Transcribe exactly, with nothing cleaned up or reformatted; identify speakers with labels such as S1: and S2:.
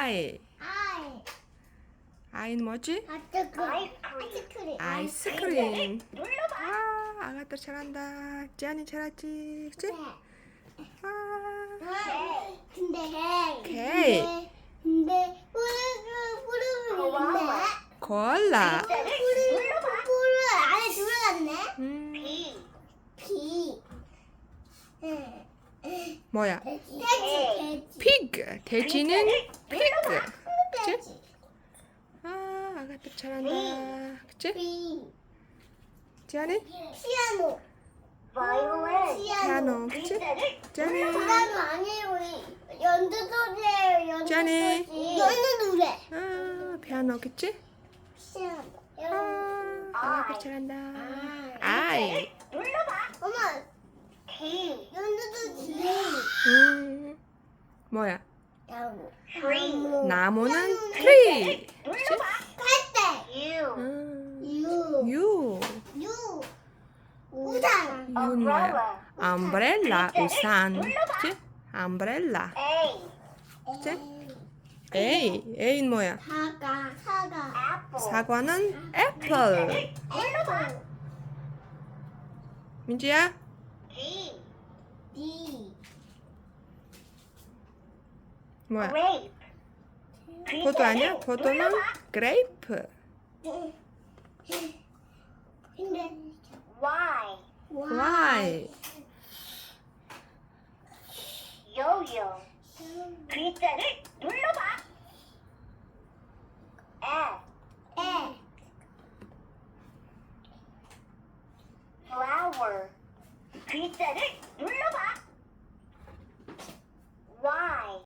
S1: I.
S2: 아이.
S1: I는 뭐지?
S2: 아이스크림.
S1: 아이스크림. 아, 아가들 잘한다. 지안이 잘하지, 그치? 아,
S2: 근데
S1: K.
S2: 근데 근데 뿌르르 뿌르르
S1: 코알라.
S2: 뿌르르 뿌르르 안에 들어갔네.
S1: 음,
S2: 비.
S1: 뭐야?
S2: 돼지 돼지.
S1: Pig. 돼지는 pig. 그치?
S2: 돼지.
S1: 아, 아가들 잘한다. 그치?
S2: 비.
S1: 지안이?
S2: 피아노.
S1: 피아노. 그치? 지안이?
S2: 피아노 아니고 연주 소리예요. 연주
S1: 짠해.
S2: 소리. 연주 노래.
S1: 아, 피아노. 그치?
S2: 피아노.
S1: 아, 아가들 잘한다. I.
S2: 엄마. 연주도 지.
S1: 음, 뭐야?
S2: 나무.
S1: 나무는 tree. 그치?
S2: 갈대.
S1: 음,
S2: 유.
S1: U.
S2: 유. 우산.
S1: U는 뭐야? umbrella. 우산. 그치? umbrella. 그치? A. A는 뭐야?
S2: 사과. 사과.
S1: 사과는 apple.
S2: 애플.
S1: 민지야?
S2: D.
S1: 뭐야? 포도 아니야? 포도는 grape.
S2: 근데
S1: Y.
S3: 요요 글자를 눌러봐. F
S2: 에.
S3: flower 글자를 눌러봐. Y